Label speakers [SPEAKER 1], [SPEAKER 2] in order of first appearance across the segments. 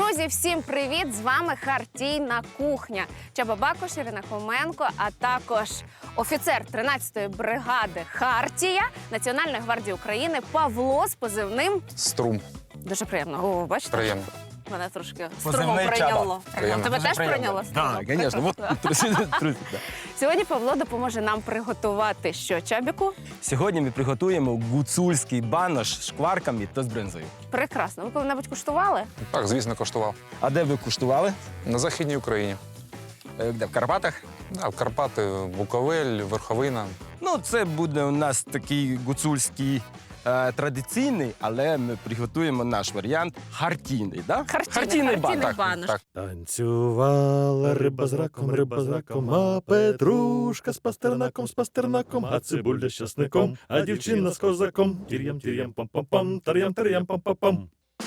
[SPEAKER 1] Друзі, всім привіт! З вами Хартійна кухня. Чаба Бакуш, Ірина Хоменко, а також офіцер 13-ї бригади «Хартія» Національної гвардії України Павло з позивним
[SPEAKER 2] Струм.
[SPEAKER 1] Дуже приємно. О, бачите?
[SPEAKER 2] Приємно.
[SPEAKER 1] Мене трошки
[SPEAKER 3] Позивний
[SPEAKER 1] струмом прийняло.
[SPEAKER 2] Приємно.
[SPEAKER 1] Тебе теж прийняло?
[SPEAKER 3] Так, звісно. Вот.
[SPEAKER 1] Сьогодні Павло допоможе нам приготувати що, Чабіку?
[SPEAKER 3] Сьогодні ми приготуємо гуцульський банош з шкварками та з бринзою.
[SPEAKER 1] Прекрасно. Ви коли-небудь куштували?
[SPEAKER 2] Так, звісно, коштував.
[SPEAKER 3] А де ви куштували?
[SPEAKER 2] На Західній Україні.
[SPEAKER 3] Де, в Карпатах?
[SPEAKER 2] Да, Карпати, Буковель, Верховина.
[SPEAKER 3] Ну, це буде у нас такий гуцульський традиційний, але ми приготуємо наш варіант хартійний, да?
[SPEAKER 1] Хартійний
[SPEAKER 3] банош.
[SPEAKER 1] банош.
[SPEAKER 2] Так.
[SPEAKER 4] Танцювала риба з раком, а петрушка з пастернаком, а цибуля з часником, а дівчина з козаком. Тір'ям, пам-пам-пам, тар'ям, пам-пам-пам.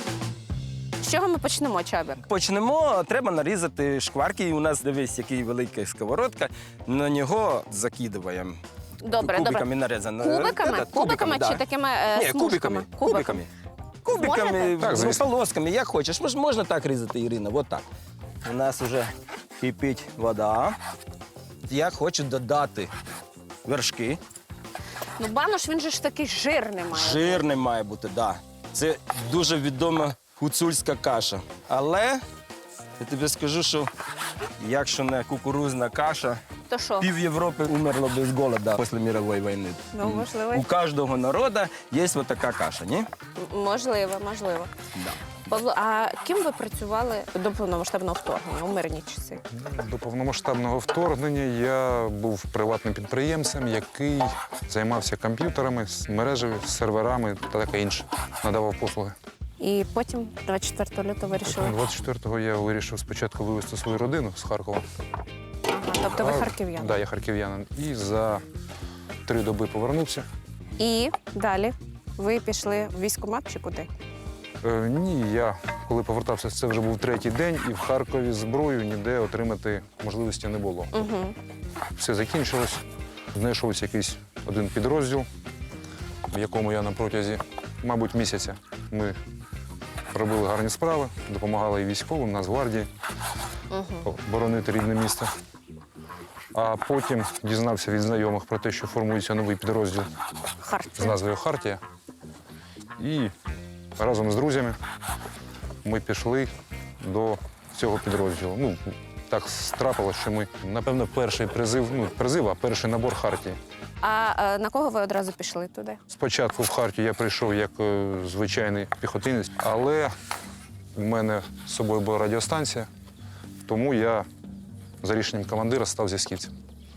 [SPEAKER 1] З чого ми почнемо, Чабік?
[SPEAKER 3] Почнемо, треба нарізати шкварки. І у нас, дивись, який велика сковородка. На нього закидуємо.
[SPEAKER 1] Добре,
[SPEAKER 3] Кубиками нарізано.
[SPEAKER 1] Кубиками? Кубиками
[SPEAKER 3] да.
[SPEAKER 1] чи такими
[SPEAKER 3] Ні,
[SPEAKER 1] смужками?
[SPEAKER 3] кубиками.
[SPEAKER 1] Можете?
[SPEAKER 3] Кубиками,
[SPEAKER 2] Так,
[SPEAKER 3] з
[SPEAKER 2] звісно.
[SPEAKER 3] полосками, як хочеш. Можна так різати, Ірина, от так. У нас вже кипить вода. Я хочу додати вершки.
[SPEAKER 1] Ну, банош, він же ж такий жирний має.
[SPEAKER 3] Жирний має бути, так. Да. Це дуже відома гуцульська каша. Але я тобі скажу, що якщо не кукурузна каша,
[SPEAKER 1] То що?
[SPEAKER 3] пів Європи умерло без голоду після мирової війни.
[SPEAKER 1] Ну, можливо.
[SPEAKER 3] У кожного народу є ось така каша, ні?
[SPEAKER 1] Можливо.
[SPEAKER 3] Да.
[SPEAKER 1] Павло, а ким ви працювали до повномасштабного вторгнення у мирні часи?
[SPEAKER 2] До повномасштабного вторгнення я був приватним підприємцем, який займався комп'ютерами, мережею, серверами та таке інше. Надавав послуги.
[SPEAKER 1] І потім 24 лютого вирішили.
[SPEAKER 2] 24-го я вирішив спочатку вивезти свою родину з Харкова.
[SPEAKER 1] Ага, тобто ви харків'яни.
[SPEAKER 2] Так, да, я харків'янин. І за 3 доби повернувся.
[SPEAKER 1] І далі ви пішли в військкомат чи куди?
[SPEAKER 2] Ні, я коли повертався, це вже був 3-й день, і в Харкові зброю ніде отримати можливості не було.
[SPEAKER 1] Угу.
[SPEAKER 2] Все закінчилось. Знайшовся якийсь один підрозділ, в якому я на протязі, мабуть, місяця ми робили гарні справи, допомагали і військовим, Нацгвардії боронити рідне місто. А потім дізнався від знайомих про те, що формується новий підрозділ з
[SPEAKER 1] Хартія.
[SPEAKER 2] назвою «Хартія». І разом з друзями ми пішли до цього підрозділу. Ну, так трапилося, що ми, напевно, перший перший набор «Хартії».
[SPEAKER 1] А на кого ви одразу пішли туди?
[SPEAKER 2] Спочатку в «Хартію» я прийшов як звичайний піхотинець, але в мене з собою була радіостанція, тому я за рішенням командира став зв'язківцем.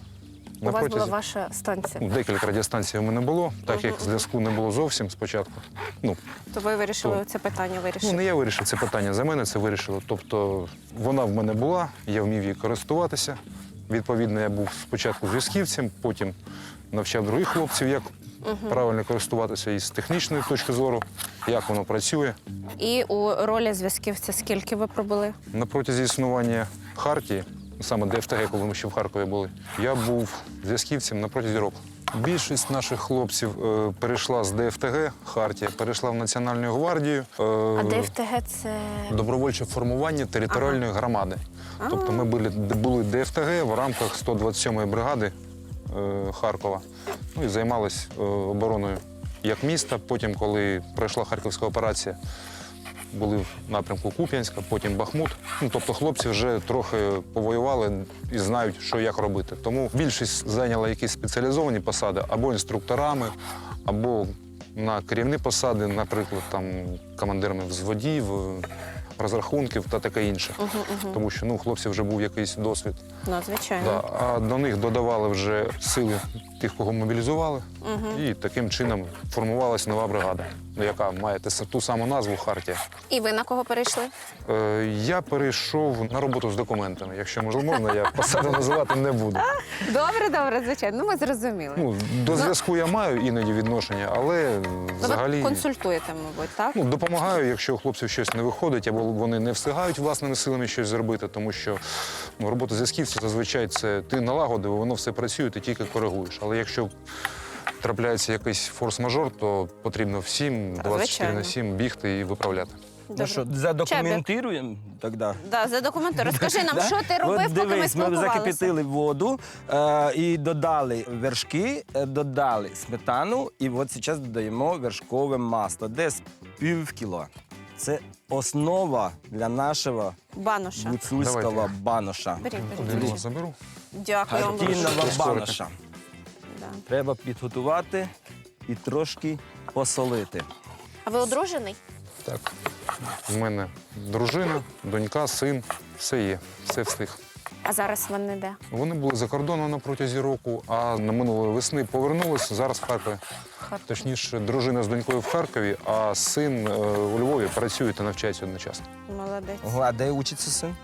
[SPEAKER 1] У вас була ваша станція.
[SPEAKER 2] Декілька радіостанцій у мене було, так як зв'язку не було зовсім спочатку.
[SPEAKER 1] То ви вирішили це питання вирішити?
[SPEAKER 2] Не я вирішив це питання, за мене це вирішило. Тобто вона в мене була, я вмів її користуватися. Відповідно, я був спочатку зв'язківцем, потім навчав других хлопців, як правильно користуватися із технічної точки зору, як воно працює.
[SPEAKER 1] І у ролі зв'язківця скільки ви пробули?
[SPEAKER 2] На протязі існування «Хартії», саме ДФТГ, коли ми ще в Харкові були, я був зв'язківцем на протязі року. Більшість наших хлопців перейшла з ДФТГ, «Хартія», перейшла в Національну гвардію.
[SPEAKER 1] А ДФТГ – це…
[SPEAKER 2] Добровольче формування територіальної громади. Тобто ми були ДФТГ в рамках 127-ї бригади Харкова. Ну і займалися обороною як міста. Потім, коли пройшла Харківська операція, були в напрямку Куп'янська, потім Бахмут. Ну, тобто хлопці вже трохи повоювали і знають, що як робити. Тому більшість зайняла якісь спеціалізовані посади або інструкторами, або на керівні посади, наприклад, там командирами взводів, розрахунків та таке інше. Тому що у хлопців вже був якийсь досвід.
[SPEAKER 1] Ну, звичайно.
[SPEAKER 2] Да. А до них додавали вже сили тих, кого мобілізували. І таким чином формувалася нова бригада, яка має ту саму назву «Хартія».
[SPEAKER 1] І ви на кого перейшли?
[SPEAKER 2] Я перейшов на роботу з документами. Якщо можна, я посаду називати не буду.
[SPEAKER 1] Добре, звичайно. Ну, ми зрозуміли.
[SPEAKER 2] До зв'язку я маю іноді відношення, але взагалі…
[SPEAKER 1] Ви консультуєте, мабуть, так?
[SPEAKER 2] Допомагаю, якщо у хлопців щось не виходить, або вони не встигають власними силами щось зробити, тому що робота зв'язківця зазвичай це ти налагодив, воно все працює, ти тільки коригуєш. Але якщо трапляється якийсь форс-мажор, то потрібно всім 24/7 бігти і виправляти.
[SPEAKER 3] Ну що, задокументуємо тоді?
[SPEAKER 1] Да, задокументуй. Розкажи нам, що ти робив,
[SPEAKER 3] От
[SPEAKER 1] поки ми
[SPEAKER 3] дивись, ми
[SPEAKER 1] спілкувалися.
[SPEAKER 3] закипятили воду і додали вершки, додали сметану, і от зараз додаємо вершкове масло, десь пів кіло. Це основа для нашого
[SPEAKER 1] Баноша.
[SPEAKER 3] гуцульського
[SPEAKER 2] Давайте.
[SPEAKER 3] баноша.
[SPEAKER 1] Беріть,
[SPEAKER 2] Один
[SPEAKER 1] беріть.
[SPEAKER 2] вас заберу.
[SPEAKER 1] Дякую вам дуже.
[SPEAKER 3] Хартійного
[SPEAKER 2] Історика.
[SPEAKER 3] баноша.
[SPEAKER 1] Да.
[SPEAKER 3] Треба підготувати і трошки посолити.
[SPEAKER 1] А ви одружений?
[SPEAKER 2] Так. У мене дружина, донька, син. Все є, все встиг.
[SPEAKER 1] А зараз вони де?
[SPEAKER 2] Вони були за кордоном на протязі року, а на минулої весни повернулися. Зараз в Харкові. Точніше, дружина з донькою в Харкові, а син у Львові працює та навчається одночасно.
[SPEAKER 1] Молодець.
[SPEAKER 3] Ого, а де учиться син?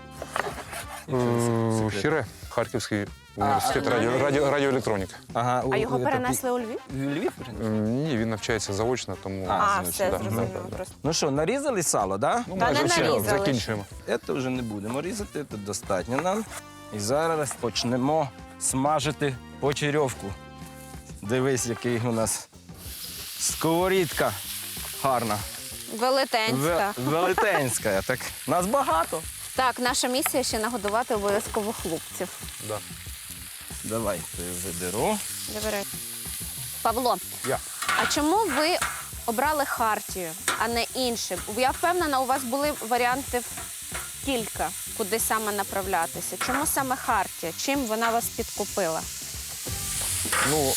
[SPEAKER 2] Хіре, Харківський університет радіоелектроніки.
[SPEAKER 3] Ага,
[SPEAKER 1] А його перенесли у Львів?
[SPEAKER 3] В Львів?
[SPEAKER 2] Ні, він навчається заочно, тому
[SPEAKER 1] А,
[SPEAKER 3] значить,
[SPEAKER 1] все
[SPEAKER 2] да,
[SPEAKER 1] зрозуміло.
[SPEAKER 2] да.
[SPEAKER 1] Просто.
[SPEAKER 3] Ну що, нарізали сало, так?
[SPEAKER 2] Ну,
[SPEAKER 1] Та
[SPEAKER 2] майже
[SPEAKER 1] не
[SPEAKER 2] все,
[SPEAKER 1] нарізали.
[SPEAKER 2] закінчуємо.
[SPEAKER 3] Це вже не будемо різати, це достатньо нам. І зараз почнемо смажити почерьовку. Дивись, який у нас сковорідка гарна.
[SPEAKER 1] Велетенська.
[SPEAKER 3] Велетенська. Так, нас багато.
[SPEAKER 1] Так, наша місія ще нагодувати обов'язково хлопців.
[SPEAKER 2] Да.
[SPEAKER 3] Давай, ти заберу.
[SPEAKER 1] Добре. Павло,
[SPEAKER 2] Я.
[SPEAKER 1] а чому ви обрали Хартію, а не інше? Я впевнена, у вас були варіанти кілька, куди саме направлятися. Чому саме Хартія? Чим вона вас підкупила?
[SPEAKER 2] Ну,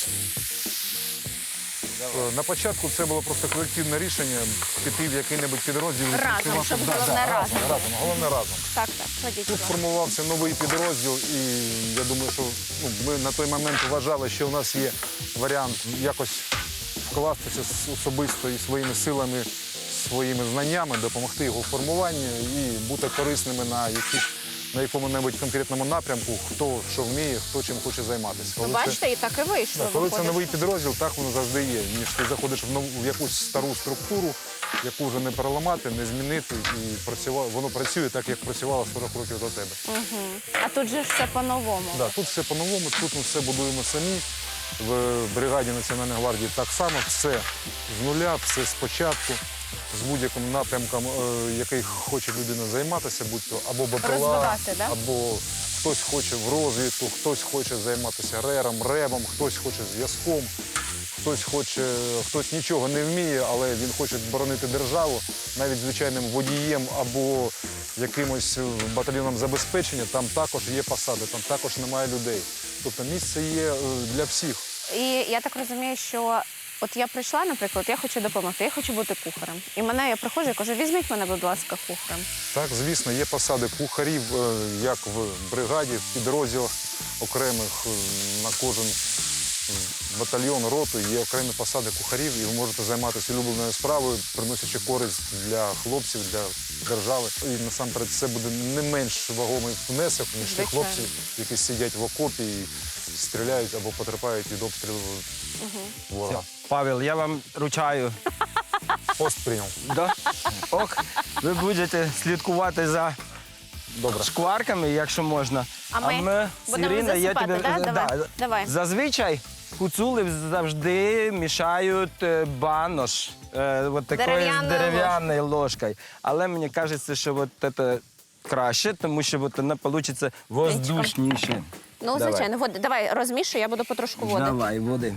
[SPEAKER 2] на початку це було просто колективне рішення піти в який-небудь підрозділ. і
[SPEAKER 1] Разом,
[SPEAKER 2] працювати.
[SPEAKER 1] щоб
[SPEAKER 2] Да,
[SPEAKER 1] головне
[SPEAKER 2] да,
[SPEAKER 1] разом.
[SPEAKER 2] Головне разом.
[SPEAKER 1] Так, так, ходіть.
[SPEAKER 2] Тут формувався новий підрозділ, і я думаю, що ми на той момент вважали, що у нас є варіант якось вкластися особисто і своїми силами, своїми знаннями, допомогти його формуванню і бути корисними на якому-небудь конкретному напрямку, хто що вміє, хто чим хоче займатися.
[SPEAKER 1] Ну, бачите, і так і вийшло.
[SPEAKER 2] Коли це
[SPEAKER 1] виходить.
[SPEAKER 2] новий підрозділ, так воно завжди є. Ніж ти заходиш в якусь стару структуру, яку вже не переламати, не змінити, і воно працює так, як працювало 40 років до тебе.
[SPEAKER 1] А тут же ж все по-новому.
[SPEAKER 2] Да, тут все по-новому, тут ми все будуємо самі. В бригаді Національної гвардії так само, все з нуля, все спочатку, з будь-яким напрямком, який хоче людина займатися, будь-то або БПЛА,
[SPEAKER 1] Розвивати, да?
[SPEAKER 2] або хтось хоче в розвідку, хтось хоче займатися ребом, хтось хоче зв'язком, хтось нічого не вміє, але він хоче боронити державу, навіть звичайним водієм або якимось батальйоном забезпечення, там також є посади, там також немає людей. Тобто місце є для всіх.
[SPEAKER 1] І я так розумію, що от я прийшла, наприклад, я хочу допомогти, я хочу бути кухарем. І я приходжу і кажу, візьміть мене, будь ласка, кухарем.
[SPEAKER 2] Так, звісно, є посади кухарів, як в бригаді, в підрозділах окремих, на кожен батальйон, роту є окремі посади кухарів, і ви можете займатися улюбленою справою, приносячи користь для хлопців, для держави. І насамперед це буде не менш вагомий внесок, ніж ті
[SPEAKER 1] Звичайно.
[SPEAKER 2] хлопці, які сидять в окопі і стріляють або потерпають від обстрілу ворога.
[SPEAKER 3] Павел, я вам ручаю.
[SPEAKER 2] Пост прийняв.
[SPEAKER 3] Да? Ох, ви будете слідкувати за
[SPEAKER 2] Добре.
[SPEAKER 3] шкварками, якщо можна.
[SPEAKER 1] А ми
[SPEAKER 3] з
[SPEAKER 1] будемо
[SPEAKER 3] Іриною,
[SPEAKER 1] засипати, да? Давай, давай.
[SPEAKER 3] Зазвичай гуцули завжди мішають банош от такою дерев'яною ложкою. Але мені кажеться, що от це краще, тому що от вона вийде воздушніше.
[SPEAKER 1] Ну,
[SPEAKER 3] Давай.
[SPEAKER 1] звичайно, давай розмішуй, я буду потрошку води.
[SPEAKER 3] Давай, води.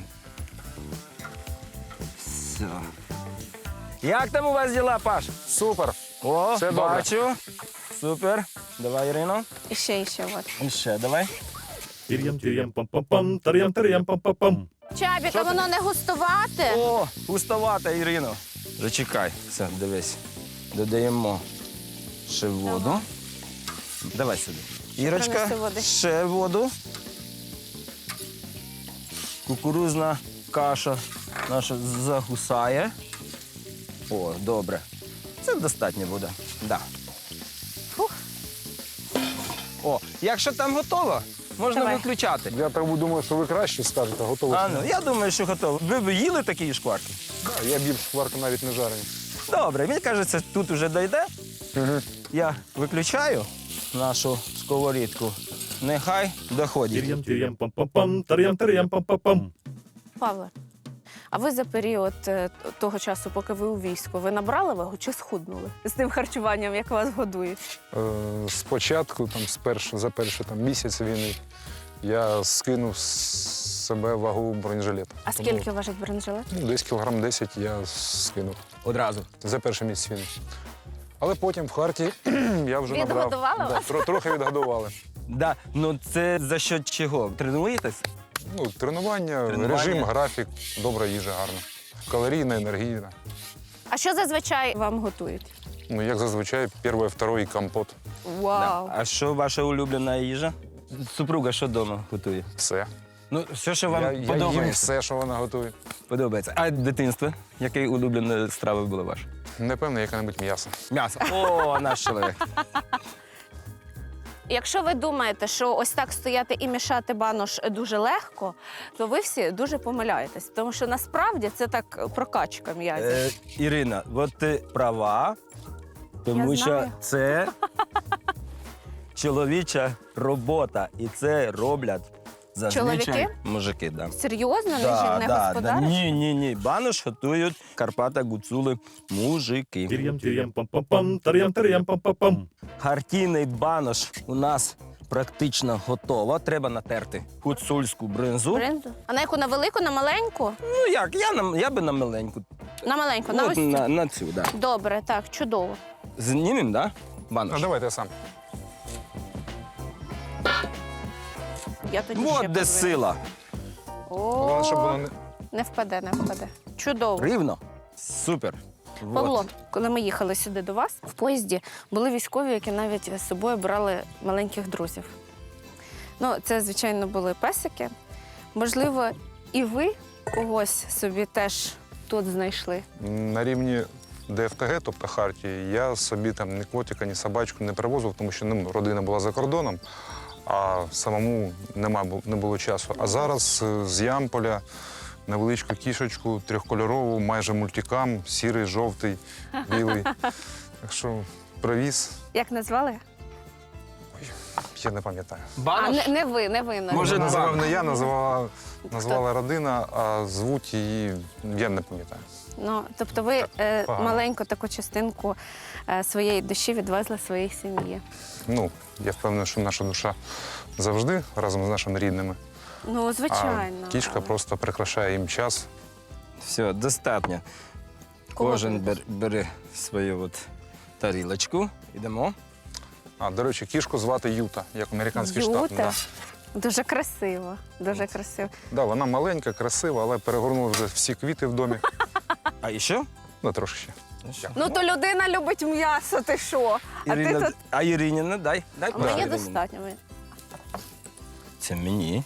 [SPEAKER 3] Все. Як там у вас діла, Паш?
[SPEAKER 2] Супер.
[SPEAKER 3] О,
[SPEAKER 2] Все добре.
[SPEAKER 3] бачу. Супер. Давай, Ірино.
[SPEAKER 1] І ще, от.
[SPEAKER 3] І ще, давай.
[SPEAKER 4] Тир'ям, тир'ям, пам-пам-пам, тар'ям, тар'ям, пам-пам-пам.
[SPEAKER 1] Чабік, а воно не густувати?
[SPEAKER 3] О, густовата, Ірино. Зачекай. Все, дивись. Додаємо ще воду. Давай сюди. Ірочка,
[SPEAKER 1] принеси води.
[SPEAKER 3] ще воду. Кукурузна каша наша загусає. О, добре. Це достатньо буде. Да.
[SPEAKER 1] Фух.
[SPEAKER 3] О, якщо там готово, можна
[SPEAKER 1] Давай.
[SPEAKER 3] виключати.
[SPEAKER 2] Я так думаю, що ви краще скажете, готові.
[SPEAKER 3] А, ну, я думаю, що готово. Ви б їли такі шкварки?
[SPEAKER 2] Да, я більш шкварки навіть не жарені.
[SPEAKER 3] Добре, мені кажеться, тут вже дойде. Я виключаю нашу сковорідку. Нехай доходить.
[SPEAKER 4] Тир'ям, тир'ям, пам-пам-пам, тар'ям, тар'ям, пам-пам-пам.
[SPEAKER 1] Павло, А ви за період того часу, поки ви у війську, ви набрали вагу чи схуднули з тим харчуванням, як вас годують?
[SPEAKER 2] Спочатку, за перший місяць війни, я скинув з себе вагу бронежилета.
[SPEAKER 1] А скільки важить бронежилет?
[SPEAKER 2] Десь кілограм 10 я скинув
[SPEAKER 3] Одразу.
[SPEAKER 2] за перший місяць війни. Але потім в Харті я вже набрав.
[SPEAKER 1] Відгодували вас?
[SPEAKER 2] Трохи відгодували.
[SPEAKER 3] Да. Ну це за що чого? Тренуєтесь?
[SPEAKER 2] Тренування, режим, графік, добра їжа гарна. Калорійна, енергійна.
[SPEAKER 1] А що зазвичай вам готують?
[SPEAKER 2] Як зазвичай, перший, другий компот.
[SPEAKER 1] Вау!
[SPEAKER 3] А що ваша улюблена їжа? Супруга що вдома готує?
[SPEAKER 2] Все.
[SPEAKER 3] Ну, все, що вам
[SPEAKER 2] Я їм
[SPEAKER 3] подобається.
[SPEAKER 2] все, що вона готує.
[SPEAKER 3] Подобається. А дитинство? Яка улюблена страва була ваша?
[SPEAKER 2] Напевно, яке-небудь м'ясо.
[SPEAKER 3] М'ясо. О, наш чоловік.
[SPEAKER 1] Якщо ви думаєте, що ось так стояти і мішати банош дуже легко, то ви всі дуже помиляєтесь. Тому що насправді це так прокачка м'язів.
[SPEAKER 3] Ірина, от ти права, тому
[SPEAKER 1] Я
[SPEAKER 3] що
[SPEAKER 1] знаю.
[SPEAKER 3] це чоловіча робота. І це роблять зазвичай
[SPEAKER 1] Чоловіки?
[SPEAKER 3] мужики. Да.
[SPEAKER 1] Серйозно, не господариш?
[SPEAKER 3] Ні. Банош готують Карпата гуцули мужики.
[SPEAKER 4] Тир'ям, тир'ям, пам-пам-пам, тар'ям, тар'ям, пам-пам-пам.
[SPEAKER 3] Хартійний банош у нас практично готово. Треба натерти гуцульську бринзу.
[SPEAKER 1] Бринзу? А на яку? На велику, на маленьку?
[SPEAKER 3] Ну як, я би на маленьку.
[SPEAKER 1] На маленьку, на
[SPEAKER 3] От
[SPEAKER 1] ось цю?
[SPEAKER 3] на цю, да.
[SPEAKER 1] Добре, так, чудово.
[SPEAKER 3] Знімем, да? Банош.
[SPEAKER 2] Давайте я сам.
[SPEAKER 1] Я тоді ще
[SPEAKER 3] От де
[SPEAKER 1] подвину.
[SPEAKER 3] сила.
[SPEAKER 2] Головне, щоб воно не...
[SPEAKER 1] Не впаде, не впаде. Чудово.
[SPEAKER 3] Рівно. Супер.
[SPEAKER 1] Павло,
[SPEAKER 3] Вот.
[SPEAKER 1] коли ми їхали сюди до вас, в поїзді були військові, які навіть з собою брали маленьких друзів. Це, звичайно, були песики. Можливо, і ви когось собі теж тут знайшли.
[SPEAKER 2] На рівні ДФТГ, тобто Хартії, я собі ні котика, ні собачку не привозив, тому що родина була за кордоном, а самому не було часу. А зараз з Ямполя невеличку кішечку, трьохкольорову, майже мультикам, сірий, жовтий, білий. Так що привіз,
[SPEAKER 1] Як назвали?
[SPEAKER 2] я не пам'ятаю.
[SPEAKER 3] Банош?
[SPEAKER 1] Не ви, не ви.
[SPEAKER 3] Може,
[SPEAKER 2] Називав
[SPEAKER 3] два.
[SPEAKER 2] не я, назвала родина, а звуть її, я не пам'ятаю.
[SPEAKER 1] Тобто ви
[SPEAKER 2] погано.
[SPEAKER 1] маленьку таку частинку своєї душі відвезли своїй сім'ї.
[SPEAKER 2] Я впевнений, що наша душа завжди разом з нашими рідними.
[SPEAKER 1] Звичайно.
[SPEAKER 2] А кішка просто прикрашає їм час.
[SPEAKER 3] Все, достатньо.
[SPEAKER 1] Кого
[SPEAKER 3] Кожен
[SPEAKER 1] ти?
[SPEAKER 3] бере свою тарілочку. Ідемо.
[SPEAKER 2] До речі, кішку звати Юта, як американський штат.
[SPEAKER 1] Юта? Дуже красиво, дуже красиво.
[SPEAKER 2] Вона маленька, красива, але перегорнула вже всі квіти в домі.
[SPEAKER 3] А ще?
[SPEAKER 2] Трошки ще.
[SPEAKER 1] То людина любить м'ясо, ти що? А ти тут...
[SPEAKER 3] А Іриніна, дай. Дай
[SPEAKER 1] Мені
[SPEAKER 3] Ірині.
[SPEAKER 1] достатньо.
[SPEAKER 3] Це мені.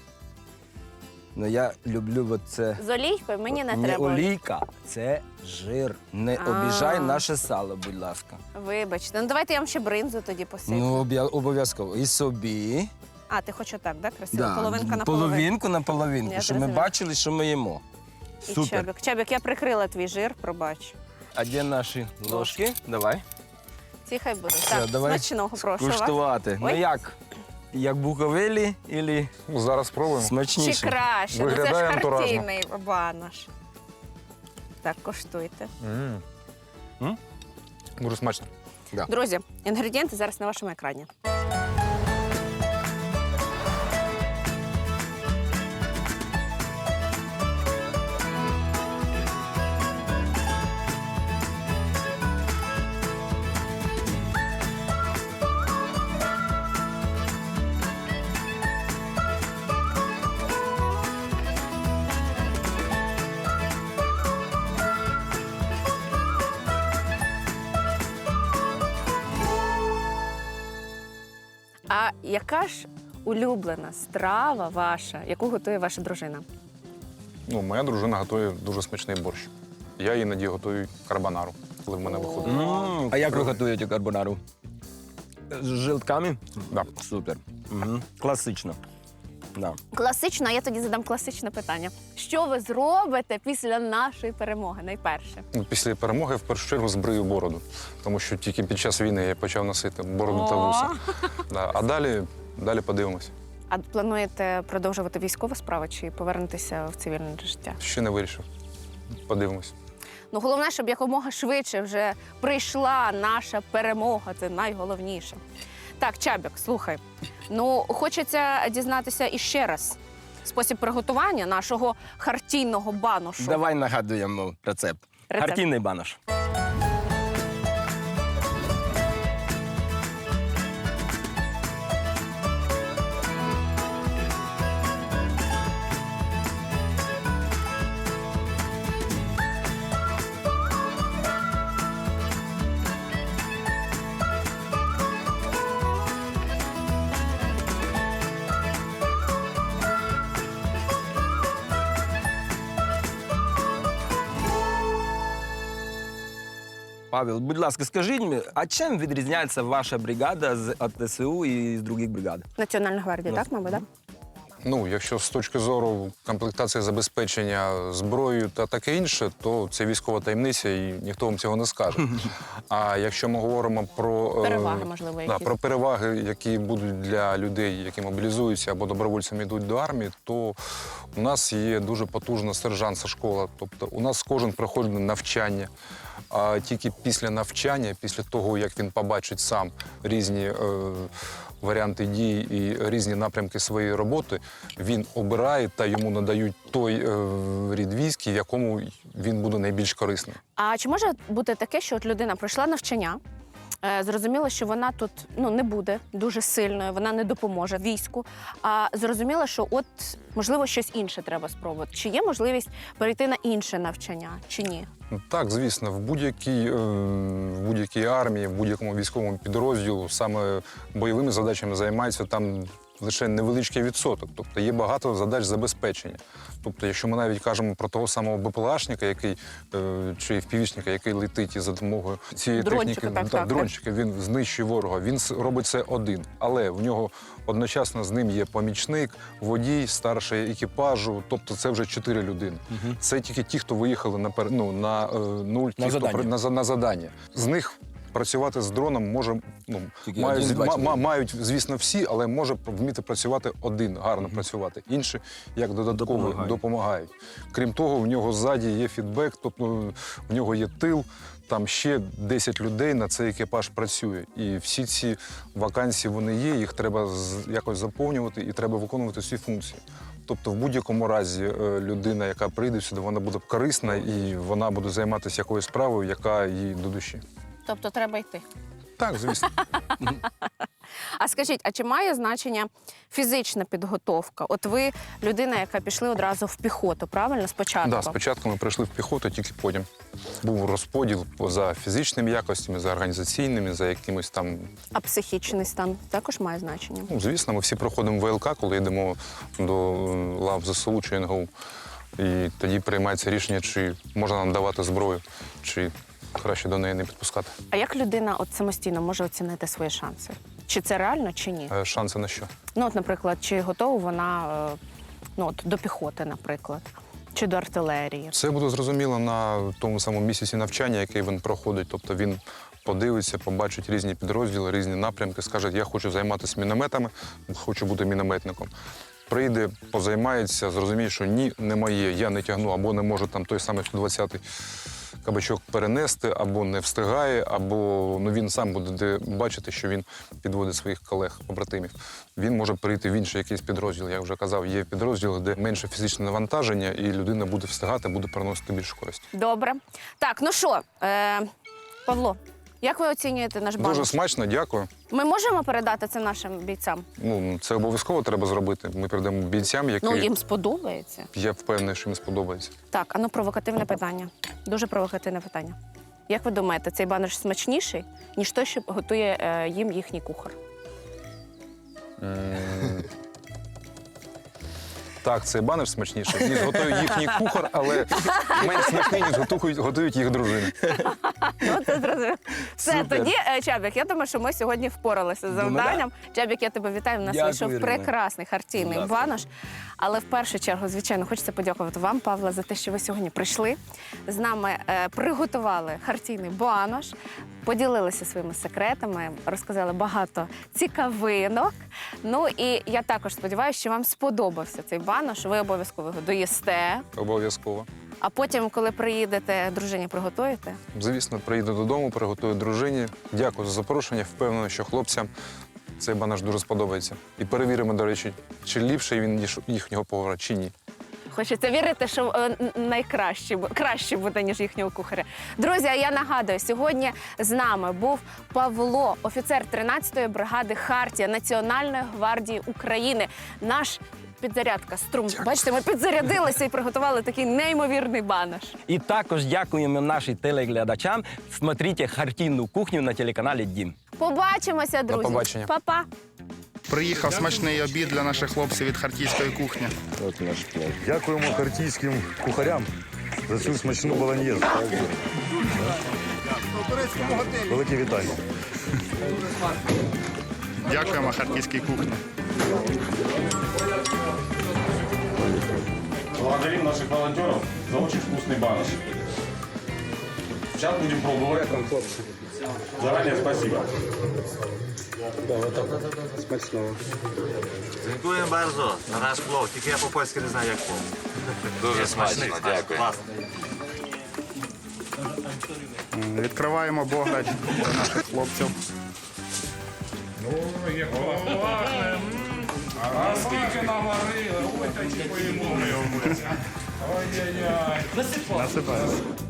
[SPEAKER 3] Я люблю це.
[SPEAKER 1] З олійкою мені не
[SPEAKER 3] Не
[SPEAKER 1] треба.
[SPEAKER 3] олійка, це жир. Не
[SPEAKER 1] А.
[SPEAKER 3] обіжай наше сало, будь ласка.
[SPEAKER 1] Вибачте. Давайте я вам ще бринзу тоді посиплю.
[SPEAKER 3] Обов'язково. І собі.
[SPEAKER 1] А, ти хочеш так, да? Красиво? Половинка на половинку.
[SPEAKER 3] половинку на половинку,
[SPEAKER 1] Я
[SPEAKER 3] щоб ми
[SPEAKER 1] зрозуміла.
[SPEAKER 3] бачили, що ми їмо.
[SPEAKER 1] І
[SPEAKER 3] Супер.
[SPEAKER 1] Чебік. Чебік, я прикрила твій жир, пробач.
[SPEAKER 3] А де наші ложки? Давай.
[SPEAKER 1] Ці хай будуть.
[SPEAKER 3] Все,
[SPEAKER 1] Так,
[SPEAKER 3] давай
[SPEAKER 1] смачного прошу вас.
[SPEAKER 3] Куштувати.
[SPEAKER 1] Ой.
[SPEAKER 3] Як? Як буковелі або
[SPEAKER 2] Зараз спробуємо.
[SPEAKER 1] Чи
[SPEAKER 3] смачніше?
[SPEAKER 1] краще? Це ж
[SPEAKER 2] Виглядає антуражно.
[SPEAKER 1] хартійний банош. Так, коштуйте.
[SPEAKER 2] Дуже смачно.
[SPEAKER 1] Друзі, інгредієнти зараз на вашому екрані. А яка ж улюблена страва ваша, яку готує ваша дружина?
[SPEAKER 2] Моя дружина готує дуже смачний борщ. Я іноді готую карбонару, коли в мене виходить.
[SPEAKER 3] А як ви готуєте карбонару? З жилтками?
[SPEAKER 2] Да.
[SPEAKER 3] Супер. Угу. Класично. Да.
[SPEAKER 1] Класично, а я тоді задам класичне питання. Що ви зробите після нашої перемоги найперше?
[SPEAKER 2] Після перемоги в першу чергу збрию бороду, тому що тільки під час війни я почав носити бороду та вуса. А далі подивимось.
[SPEAKER 1] А плануєте продовжувати військову справу чи повернутися в цивільне життя?
[SPEAKER 2] Ще не вирішив. Подивимось.
[SPEAKER 1] Ну, головне, щоб якомога швидше вже прийшла наша перемога. Це найголовніше. Так, Чабік, слухай. Ну, хочеться дізнатися іще раз спосіб приготування нашого хартійного баношу.
[SPEAKER 3] Давай нагадуємо рецепт. Хартійний банош. Павел, будь ласка, скажіть мені, а чим відрізняється ваша бригада з АТСУ і з інших бригад?
[SPEAKER 1] Національна гвардія, так, мабуть, так?
[SPEAKER 2] Ну, якщо з точки зору комплектації забезпечення зброєю та таке інше, то це військова таємниця і ніхто вам цього не скаже. А якщо ми говоримо про
[SPEAKER 1] Переваги, можливо, якісь.
[SPEAKER 2] про переваги, які будуть для людей, які мобілізуються або добровольцями йдуть до армії, то у нас є дуже потужна сержантська школа. Тобто у нас кожен проходить навчання. А тільки після навчання, після того, як він побачить сам різні варіанти дій і різні напрямки своєї роботи, він обирає та йому надають той рід військ, в якому він буде найбільш корисним.
[SPEAKER 1] А чи може бути таке, що от людина пройшла навчання, зрозуміла, що вона тут не буде дуже сильною, вона не допоможе війську, а зрозуміла, що от, можливо, щось інше треба спробувати. Чи є можливість перейти на інше навчання, чи ні?
[SPEAKER 2] Так, звісно, в будь-якій армії, в будь-якому військовому підрозділу саме бойовими задачами займаються там лише невеличкий відсоток. Тобто є багато задач забезпечення. Тобто, якщо ми навіть кажемо про того самого БПЛАшника, який чи впівічника, який летить і за допомогою цієї
[SPEAKER 1] Дрончика,
[SPEAKER 2] техніки, дрончика, він знищує ворога, він робить це один. Але в нього одночасно з ним є помічник, водій, старший екіпажу, тобто це вже 4 людини. Це тільки ті, хто виїхали на нуль, ті, хто на задання. З них працювати з дроном може, мають, звісно, всі, але може вміти працювати один, гарно працювати. Інші, як додатково, допомагають. Крім того, в нього ззаді є фідбек, тобто в нього є тил, там ще 10 людей на цей екіпаж працює. І всі ці вакансії, вони є, їх треба якось заповнювати і треба виконувати всі функції. Тобто в будь-якому разі людина, яка прийде сюди, вона буде корисна і вона буде займатися якоюсь справою, яка їй до душі.
[SPEAKER 1] Тобто треба йти.
[SPEAKER 2] Так, звісно.
[SPEAKER 1] А скажіть, а чи має значення фізична підготовка? От ви людина, яка пішли одразу в піхоту, правильно, спочатку?
[SPEAKER 2] Так, спочатку ми прийшли в піхоту, тільки потім був розподіл за фізичними якостями, за організаційними, за якимось там...
[SPEAKER 1] А психічний стан також має значення?
[SPEAKER 2] Ну, звісно, ми всі проходимо ВЛК, коли йдемо до лав ЗСУ чи НГУ. І тоді приймається рішення, чи можна нам давати зброю, чи краще до неї не підпускати.
[SPEAKER 1] А як людина от самостійно може оцінити свої шанси? Чи це реально, чи ні?
[SPEAKER 2] Шанси на що?
[SPEAKER 1] Ну, от, наприклад, чи готова вона до піхоти, наприклад, чи до артилерії?
[SPEAKER 2] Це буде зрозуміло на тому самому місяці навчання, який він проходить. Тобто він подивиться, побачить різні підрозділи, різні напрямки, скаже, я хочу займатися мінометами, хочу бути мінометником. Прийде, позаймається, зрозуміє, що ні, не моє, я не тягну, або не можу там той самий 120-й кабачок перенести, або не встигає, або він сам буде бачити, що він підводить своїх колег, побратимів. Він може перейти в інший якийсь підрозділ. Я вже казав, є підрозділи, де менше фізичне навантаження, і людина буде встигати, буде приносити більше користі.
[SPEAKER 1] Добре. Так, ну що, Павло, як ви оцінюєте наш банош?
[SPEAKER 2] Дуже смачно, дякую.
[SPEAKER 1] Ми можемо передати це нашим бійцям?
[SPEAKER 2] Ну, це обов'язково треба зробити. Ми передамо бійцям, які...
[SPEAKER 1] Ну, їм сподобається.
[SPEAKER 2] Я впевнений, що їм сподобається.
[SPEAKER 1] Так, провокативне питання. Дуже провокативне питання. Як ви думаєте, цей банош смачніший, ніж той, що готує їм їхній кухар?
[SPEAKER 2] Так, цей банош смачніший, ніж готує їхній кухар, але менш смачний, ніж готують їх дружини.
[SPEAKER 1] Ну, це зрозуміло. Все,
[SPEAKER 3] Супер.
[SPEAKER 1] тоді, Чабік, я думаю, що ми сьогодні впоралися з завданням. Чабік, я тебе вітаю. У нас
[SPEAKER 3] Дякую,
[SPEAKER 1] вийшов
[SPEAKER 3] Ірина.
[SPEAKER 1] прекрасний хартійний
[SPEAKER 3] Будь ласка.
[SPEAKER 1] банош. Але в першу чергу, звичайно, хочеться подякувати вам, Павле, за те, що ви сьогодні прийшли. З нами приготували хартійний банош, поділилися своїми секретами, розказали багато цікавинок. Ну і я також сподіваюся, що вам сподобався цей банош. Ви обов'язково його доїсте.
[SPEAKER 2] Обов'язково.
[SPEAKER 1] А потім, коли приїдете, дружині приготуєте.
[SPEAKER 2] Звісно, приїду додому, приготую дружині. Дякую за запрошення. Впевнений, що хлопцям цей банош дуже сподобається. І перевіримо, до речі, чи ліпший він, ніж їхнього повара, чи ні.
[SPEAKER 1] Хочеться вірити, що краще буде, ніж їхнього кухаря. Друзі, а я нагадую, сьогодні з нами був Павло, офіцер 13-ї бригади «Хартія» Національної гвардії України. Наш підзарядка струм. Бачите, ми підзарядилися і приготували такий неймовірний банош.
[SPEAKER 3] І також дякуємо нашим телеглядачам. Смотрите «Хартійну кухню» на телеканалі «Дім».
[SPEAKER 1] Побачимося, друзі.
[SPEAKER 2] побачення.
[SPEAKER 1] Па-па.
[SPEAKER 5] Приїхав смачний обід для наших хлопців від харківської кухні.
[SPEAKER 6] Дякуємо хартійським кухарям за цю смачну болоньєзу. Велике вітання.
[SPEAKER 5] Дякуємо харківській кухні.
[SPEAKER 7] Благодарим наших волонтеров за очень вкусный банош. Сейчас будем пробовать. Заранее спасибо.
[SPEAKER 8] Dziękuję bardzo za nasz plov, тільки я по-польськи не знаю, як плов. Дуже смачно, дякую.
[SPEAKER 5] Відкриваємо бограч для наших хлопців.
[SPEAKER 7] А скільки наварили, ой, такі поїмо ми. Ой-ой-ой.
[SPEAKER 5] Насипаємо.